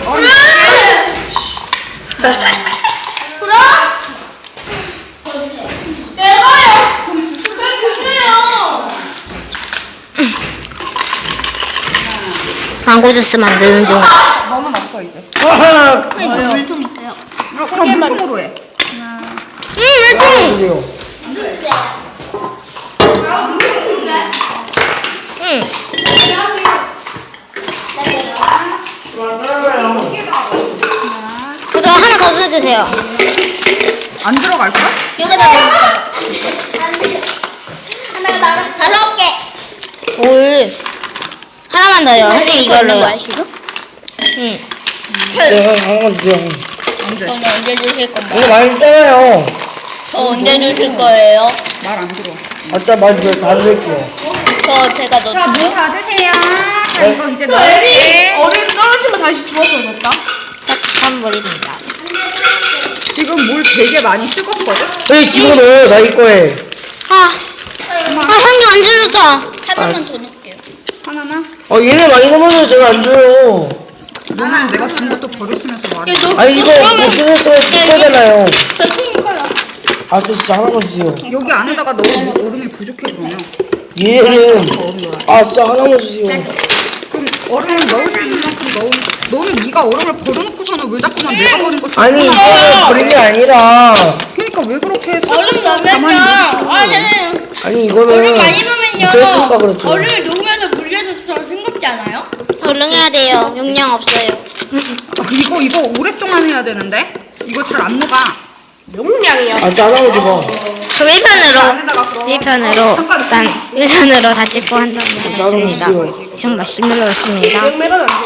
망고 주스 만드는 중. 너무 났어 이제. 물통 있어요. 그럼 물통으로 해. 물통. 주세요. 그거 하나 더 넣어주세요. 안 들어갈 거야? 여기다 넣을게요. 하나가 나가. 5개. 올. 하나만 더요. 선생님 이걸로요. 아시죠? 응. 네, 한번 주세요. 저는 언제 주실 건가요? 이거 많이 써요. 저 언제 주실 거예요? 말 안 들어. 아따 많이 다 드릴게요. 저 제가 넣을게요. 받으세요. 자, 이거 이제 넣을게. 얼음 떨어지면 다시 주워서 넣었다. 선물입니다. 지금 물 되게 많이 뜨겁거든? 네, 집어넣어요. 자기 거에. 형님 안 주셨다. 하나만 더 넣을게요. 하나만? 얘네 많이 넣으면 제가 안 줘요. 너는 내가 준 것도 버렸으면서 말해. 아니, 이거 못 쓰는 거에 뜯어잖아요. 배송이니까요. 아, 진짜 하나만 주세요. 여기 안에다가 넣으면 얼음이 부족해 그러면. 얘는, 아, 진짜 하나만 주세요. 그럼 얼음을 넣을 수 있는 만큼 너는 네가 얼음을 버려놓고서는 왜 자꾸만 내가 버린 것처럼. 아니, 이거는 버린 게 아니라. 그러니까 왜 그렇게 얼음 가만히 넣으면요. 아니, 이거는. 얼음 많이 넣으면요. 됐으니까 그렇죠. 얼음을 녹으면서 물려줘서 더 싱겁지 않아요? 얼른해야 돼요. 용량 없어요. 이거 오랫동안 해야 되는데? 이거 잘 안 녹아. 용량이야. 아, 진짜 하나만 줘봐. 그럼 1편으로 안에다가 그럼 1편으로 잠깐 일단 1편으로 다 찍고 한 다음에 하겠습니다. 주세요. 지금 마시멜로였습니다. 용매가 나.